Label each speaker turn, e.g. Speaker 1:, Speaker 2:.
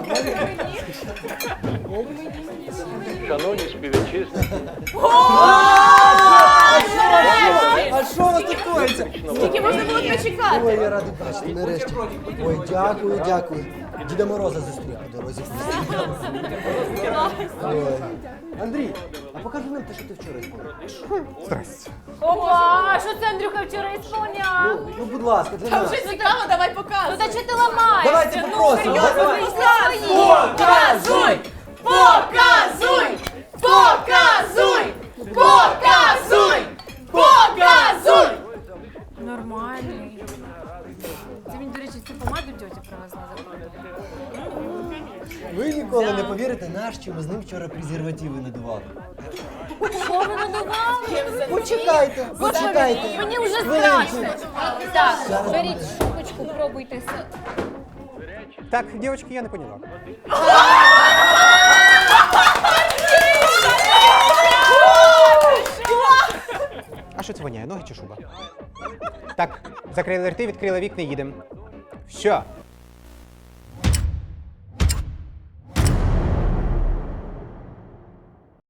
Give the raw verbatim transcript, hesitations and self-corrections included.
Speaker 1: Шановні співвітчизники,
Speaker 2: А що у вас тут коїться?
Speaker 3: Скільки можна було почекати?
Speaker 2: Ой, я радий бачити, нарешті. Ой, дякую, дякую. Діда Мороза зустрів по дорозі. Ой. Андрій, а покажи нам те, що ти вчора сповняв.
Speaker 4: Здрасте.
Speaker 3: Опа, що це Андрюха вчора ісполняв?
Speaker 2: Ну, будь ласка, для нас.
Speaker 3: Вже цікаво, давай показуй. Ну, та що ти ламаєшся?
Speaker 2: Давайте попросимо. Давай.
Speaker 3: Показуй! Показуй! Показуй! Показуй! Показуй! Нормальний. Це він, до речі, цю помаду тьотя привезла за правду.
Speaker 2: Ви ніколи не повірите, наш, що ми з ним вчора презервативи надували.
Speaker 3: Що ви надували?
Speaker 2: Почекайте, почекайте.
Speaker 3: Мені вже
Speaker 2: Хвилинку.
Speaker 3: страшно. Так, беріть шубочку, пробуйте.
Speaker 4: Так, дівчатки, я не поняла. А що це воняє? Ноги чи шуба? Так, закрили рти, відкрили вікна, їдемо. Все,